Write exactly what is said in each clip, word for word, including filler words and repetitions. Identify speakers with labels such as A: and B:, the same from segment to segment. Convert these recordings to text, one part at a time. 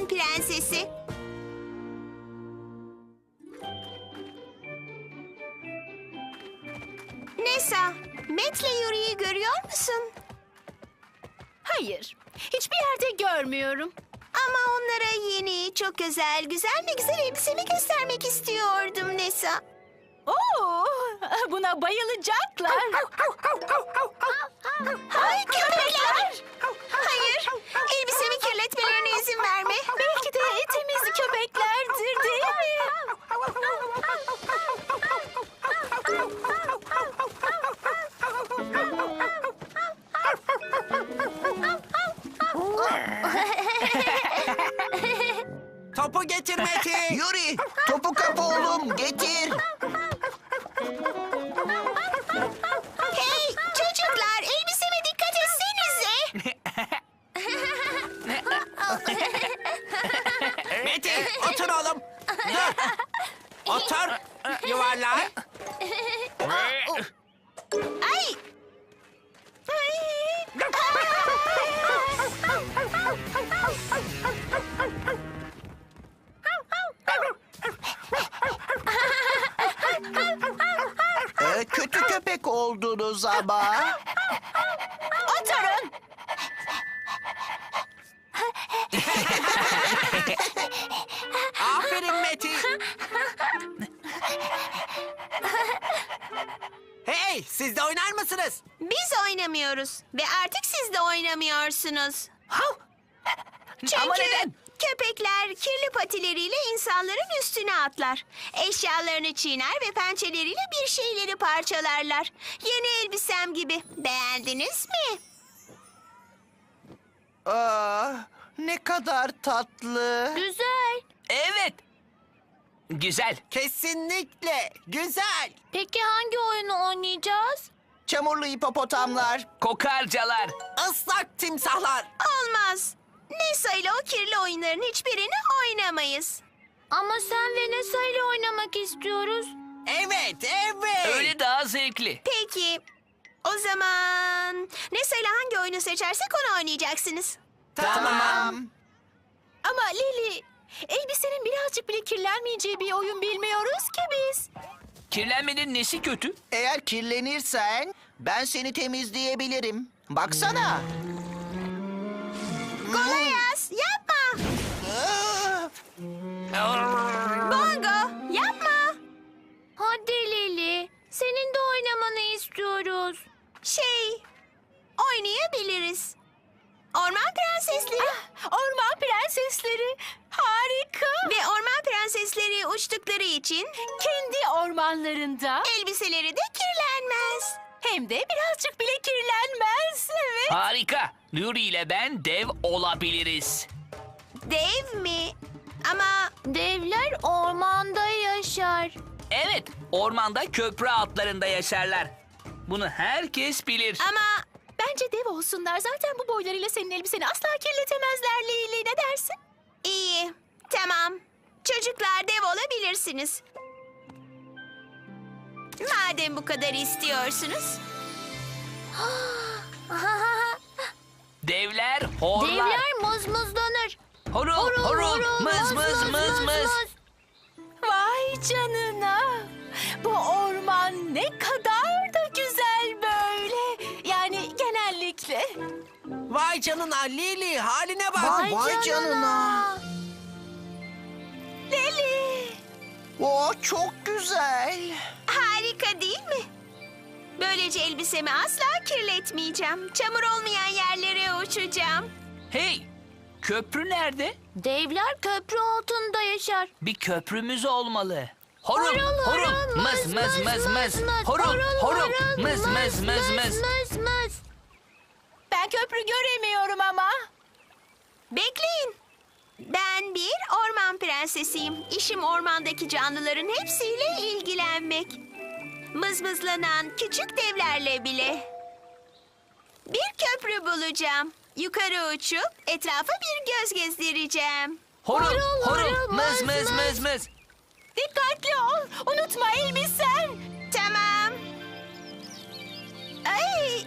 A: prensesi. Nessa, Matt'le Yuri'yi görüyor musun?
B: Hayır, hiçbir yerde görmüyorum.
A: Ama onlara yeni, çok özel, güzel ve güzel elbisemi göstermek istiyordum Nessa.
B: Oo, buna bayılacaklar.
A: Ay köpekler! Hayır, elbisemi kirletmelerine izin verme.
B: Belki de temiz köpeklerdir, değil mi?
C: Topu getir Metin.
D: Yuri, topu kap oğlum, getir.
A: Hey çocuklar, elbiseme dikkat etsenize.
C: Metin otur oğlum. Dur. Otur. Yuvarlan.
A: Ay! Ay!
D: Ee, kötü köpek oldunuz ama.
A: Oturun.
C: Aferin Metin. Hey, siz de oynar mısınız?
A: Biz oynamıyoruz ve artık siz de oynamıyorsunuz. Çünkü
C: Ama neden?
A: köpekler kirli patileriyle insanların üstüne atlar. Eşyalarını çiğner ve pençeleriyle bir şeyleri parçalarlar. Yeni elbisem gibi. Beğendiniz mi?
D: Aa, ne kadar tatlı.
A: Güzel.
E: Evet. Güzel.
C: Kesinlikle. Güzel.
A: Peki hangi oyunu oynayacağız?
D: Çamurlu hipopotamlar.
E: Kokarcalar.
C: Islak timsahlar.
A: Olmaz. Nessa ile o kirli oyunların hiçbirini oynamayız. Ama sen ve Nessa ile oynamak istiyoruz.
C: Evet, evet.
E: Öyle daha zevkli.
A: Peki. O zaman Nessa ile hangi oyunu seçersek onu oynayacaksınız.
C: Tamam.
B: Ama Lili, elbisenin birazcık bile kirlenmeyeceği bir oyun bilmiyoruz ki biz.
E: Kirlenmenin nesi kötü?
D: Eğer kirlenirsen ben seni temizleyebilirim. Baksana.
A: Golayas yapma. Bongo yapma. Hadi Lili. Senin de oynamanı istiyoruz. Şey, oynayabiliriz. Orman prensesleri.
B: Orman prensesleri, harika.
A: Ve orman prensesleri uçtukları için
B: Kendi ormanlarında
A: elbiseleri de kirlenmez.
B: hem de birazcık bile kirlenmez. Evet.
E: Harika. Yuri ile ben dev olabiliriz.
A: Dev mi? Ama devler ormanda yaşar.
E: Evet, ormanda köprü altlarında yaşarlar. Bunu herkes bilir.
A: Ama
B: Bence dev olsunlar. Zaten bu boylarıyla senin elbiseni asla kirletemezler Lili. Ne dersin?
A: iyi, tamam. Çocuklar dev olabilirsiniz. Madem bu kadar istiyorsunuz.
E: Devler horlar.
A: muzmuzlanır.
E: Horul, horul, mız mız mız mız.
B: Vay canına. Bu orman ne kadar da güzel böyle. Yani genellikle.
C: Vay canına Lili, haline bak.
D: Vay, vay canına.
B: Lili.
D: O çok güzel.
A: Harika değil mi? Böylece elbisemi asla kirletmeyeceğim. Çamur olmayan yerlere uçacağım.
E: Hey, köprü nerede?
A: Devler köprü altında yaşar.
E: Bir köprümüz olmalı. Horul,
A: Horul,
E: horul,
A: horul,
E: mız mız mız mız. Horul, horul, mız mız mız mız.
A: mız mız.
B: Ben köprü göremiyorum ama.
A: Bekleyin. Ben bir orman prensesiyim. İşim ormandaki canlıların hepsiyle ilgilenmek. Mızmızlanan küçük devlerle bile. Bir köprü bulacağım. Yukarı uçup etrafa bir göz gezdireceğim.
E: Horul,
A: Horul,
E: horul,
A: horul,
E: mız
A: mız,
E: mız mız mız.
B: Dikkatli ol. Unutma elbisen.
A: Tamam. Ay,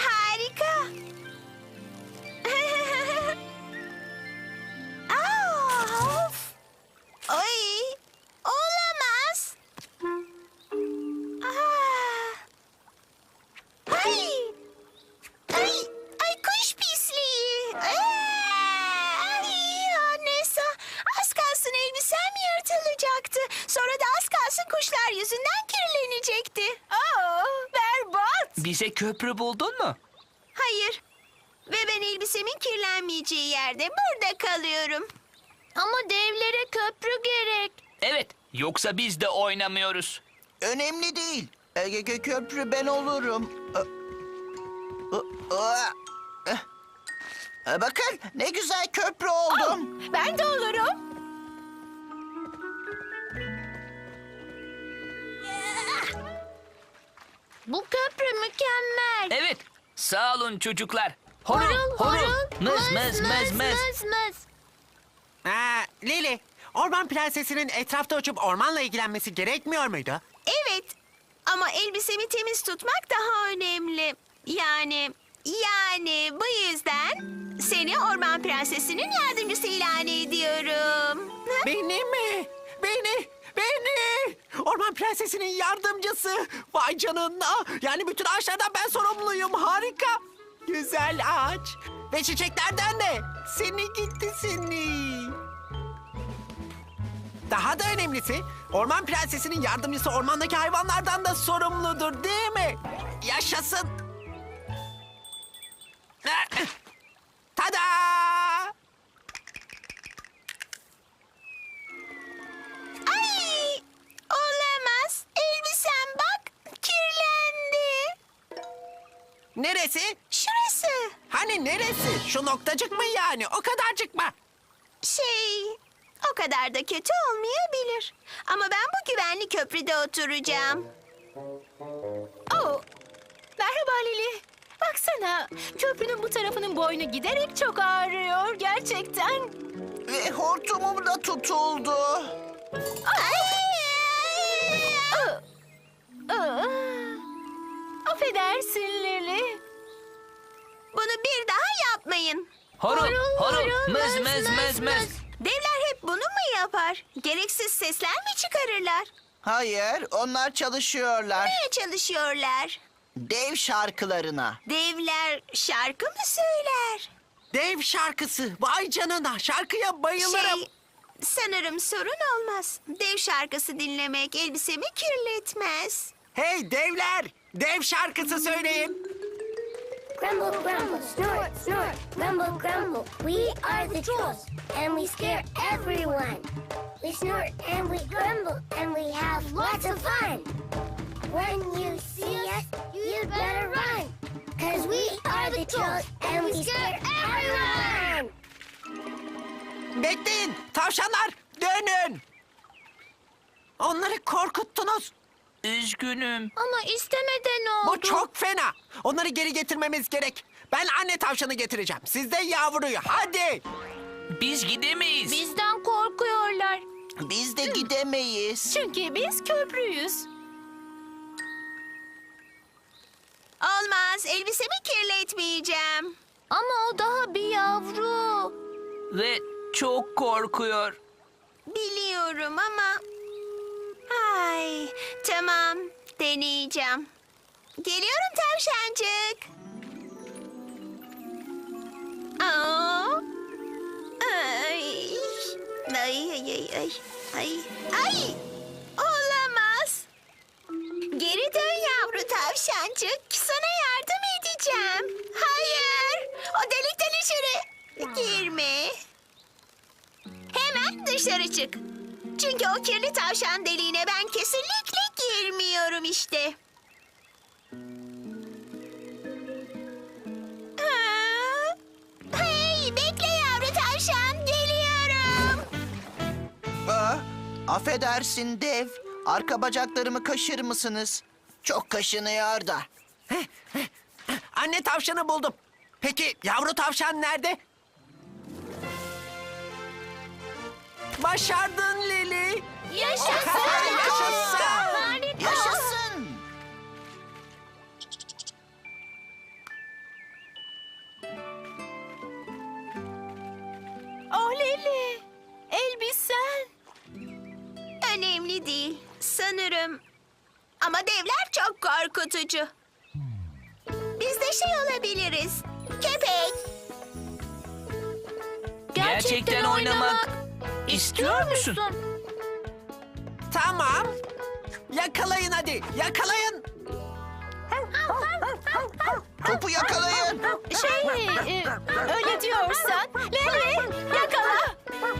A: harika. Aa!
E: Bize köprü buldun mu?
A: Hayır. Ve ben elbisemin kirlenmeyeceği yerde burada kalıyorum.
B: Ama devlere köprü gerek.
E: Evet, yoksa biz de oynamıyoruz.
D: Önemli değil. Ege Gö- köprü ben olurum. Ö- Ö- Ö- Eh. E, Bakın ne güzel köprü oldum.
B: Ben de olurum. Bu köprü mükemmel.
E: Evet, sağ olun çocuklar. Horul, horul, mız mız mız mız.
B: mız.
C: Ha, Lili, orman prensesinin etrafta uçup ormanla ilgilenmesi gerekmiyor muydu?
A: Evet. Ama elbisemi temiz tutmak daha önemli. Yani, yani bu yüzden seni orman prensesinin yardımcısı ilan ediyorum. Hı?
C: Beni mi? Beni, beni! Orman prensesinin yardımcısı. Vay canına. Yani bütün ağaçlardan ben sorumluyum. Harika. Güzel ağaç. Ve çiçeklerden de. Seni gitti seni. Daha da önemlisi, orman prensesinin yardımcısı ormandaki hayvanlardan da sorumludur, değil mi? Yaşasın. Tada!
A: Ay! Olamaz. Elbisem bak kirlendi.
C: Neresi?
A: Şurası.
C: Hani neresi? Şu noktacık mı yani? O kadarcık mı?
A: Şey, o kadar da kötü olmayabilir. Ama ben bu güvenli köprüde oturacağım.
B: Oh. Merhaba Lili. Baksana, köprünün bu tarafının boynu giderek çok ağrıyor gerçekten.
D: Ve hortumum da tutuldu.
B: Aa, aa. Affedersin Lili.
A: Bunu bir daha yapmayın.
E: Horul,
B: Horul,
E: horul,
B: horul,
E: mız
B: mız,
E: mız
B: mız,
E: mız mız.
B: mız.
A: Devler hep bunu mu yapar? Gereksiz sesler mi çıkarırlar?
D: Hayır, onlar çalışıyorlar.
A: Neye çalışıyorlar?
D: Dev şarkılarına.
A: Devler şarkı mı söyler?
C: Dev şarkısı. Vay canına. Şarkıya bayılırım.
A: Şey, sanırım sorun olmaz. Dev şarkısı dinlemek elbisemi kirletmez.
C: Hey devler. Dev şarkısı söyleyin.
F: Grumble, grumble, snort, snort, grumble, grumble. We are the trolls, and we scare everyone. We snort and we grumble, and we have lots of fun. When you see us, you better run. Cause we are the trolls, and we scare everyone.
C: Bekleyin. Tavşanlar dönün. Onları korkuttunuz.
E: Üzgünüm.
B: Ama istemeden oldu.
C: Bu çok fena. Onları geri getirmemiz gerek. Ben anne tavşanı getireceğim. Siz de yavruyu. Hadi.
E: Biz gidemeyiz.
B: Bizden korkuyorlar.
D: Biz de gidemeyiz.
B: Çünkü biz köprüyüz.
A: Olmaz, elbisemi kirletmeyeceğim.
B: Ama o daha bir yavru.
E: Ve çok korkuyor.
A: Biliyorum ama... Ay, tamam, deneyeceğim. Geliyorum tavşancık. Aa, ay, ay, ay, ay, ay, ay, ay, olamaz. Geri dön yavru tavşancık, sana yardım edeceğim. Hayır, o delikten içeri girme. Hemen dışarı çık. Çünkü o kirli tavşan deliğine ben kesinlikle girmiyorum işte. Ha? Hey, bekle yavru tavşan, geliyorum.
D: Aa, affedersin dev. Arka bacaklarımı kaşır mısınız? Çok kaşınıyor da.
C: Anne tavşanı buldum. Peki yavru tavşan nerede? Başardın Lili.
B: Yaşasın.
C: Yaşasın.
B: Harika.
D: Yaşasın.
B: Oh Lili. Elbisen.
A: Önemli değil, sanırım. Ama devler çok korkutucu. Biz de şey olabiliriz. Köpek.
E: Gerçekten oynamak istiyor musun?
C: Tamam. Yakalayın hadi. Yakalayın.
D: Topu yakalayın.
B: Şey, e, öyle diyorsan. Leli, yakala.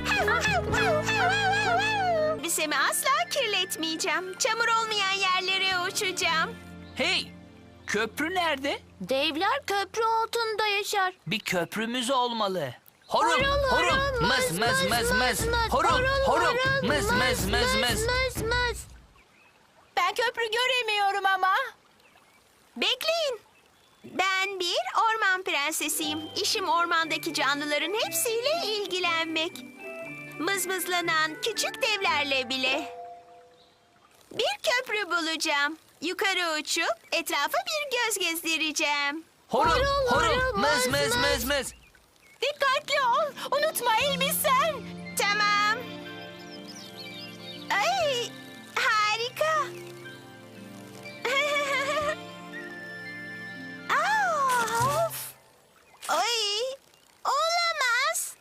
A: Elbisemi asla kirletmeyeceğim. Çamur olmayan yerlere uçacağım.
E: Hey, köprü nerede?
B: Devler köprü altında yaşar.
E: Bir köprümüz olmalı. Horul,
B: Horul,
E: horul,
B: horul,
E: mız, mız, mız, mız. Horul, horul, mız, mız, mız, mız.
B: mız. Ben köprü göremiyorum ama.
A: Bekleyin. Ben bir orman prensesiyim. İşim ormandaki canlıların hepsiyle ilgilenmek. Mızmızlanan küçük devlerle bile. Bir köprü bulacağım. Yukarı uçup etrafa bir göz gezdireceğim.
E: Horul,
B: Horul,
E: horul,
B: horul,
E: mız,
B: mız,
E: mız, mız, mız.
B: Dikkatli ol. Unutma elbisen.
A: Tamam. Ay, harika. Aa, of. Ay, olamaz.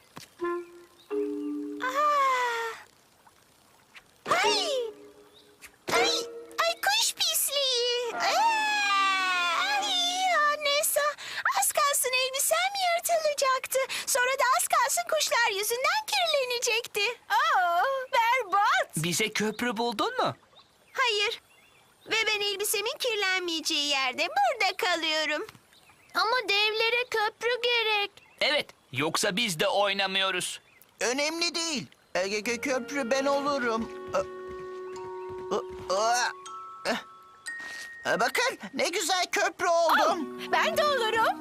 A: Aa. Ay. Ay, ay kuş pisliği. Aa, ay, Annesa, az kalsın elbisem yırtılacaktı. Sonra da az kalsın kuşlar yüzünden kirlenecekti.
B: Aa, berbat.
E: Bize köprü buldun mu?
A: Hayır. Ve ben elbisemin kirlenmeyeceği yerde burada kalıyorum.
B: Ama devlere köprü gerek.
E: Evet, yoksa biz de oynamıyoruz.
D: Önemli değil. Ege Gö- Köprü ben olurum. Aa, aa, aa. Eh. Bakın ne güzel köprü oldum.
B: Ben de olurum.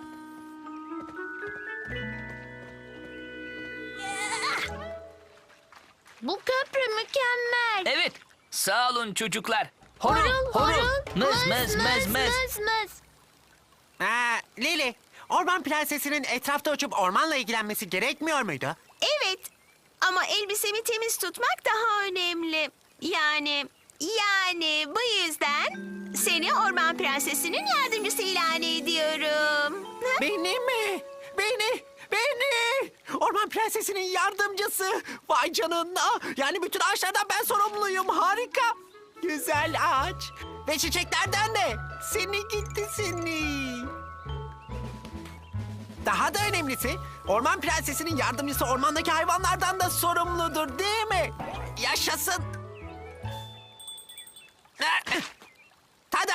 B: Bu köprü mükemmel.
E: Evet, sağ olun çocuklar. Horul, horul, mız, mız, mız, mız.
B: mız.
C: Ha, Lili, orman prensesinin etrafta uçup ormanla ilgilenmesi gerekmiyor muydu?
A: Evet. Ama elbisemi temiz tutmak daha önemli. Yani, yani bu yüzden seni orman prensesinin yardımcısı ilan ediyorum.
C: Beni mi? Beni, beni! Orman prensesinin yardımcısı. Vay canına. Yani bütün ağaçlardan ben sorumluyum. Harika. Güzel ağaç. Ve çiçeklerden de. Seni gitti seni. Daha da önemlisi, orman prensesinin yardımcısı ormandaki hayvanlardan da sorumludur, değil mi? Yaşasın. Tada!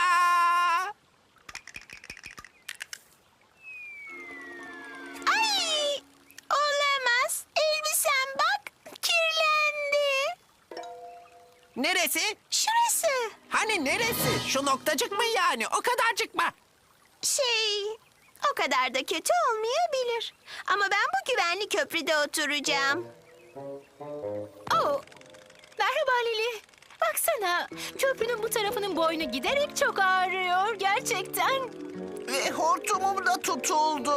A: Ay! Olamaz. Elbisem bak kirlendi.
C: Neresi?
A: Şurası.
C: Hani neresi? Şu noktacık mı yani? O kadarcık mı?
A: Şey, o kadar da kötü olmayabilir. Ama ben bu güvenli köprüde oturacağım.
B: Oh. Merhaba Lili. Baksana, köprünün bu tarafının boynu giderek çok ağrıyor gerçekten.
D: Ve hortumum da tutuldu.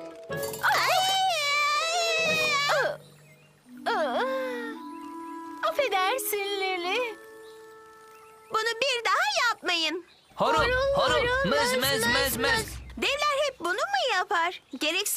B: Aa, aa. Affedersin Lili.
A: Bunu bir daha yapmayın.
E: Horul,
B: Horul,
E: horul,
B: horul,
E: mız,
B: mız,
E: mız,
B: mız,
E: mız, mız.
B: mız.
A: Devler hep bunu mu yapar? Gereksiz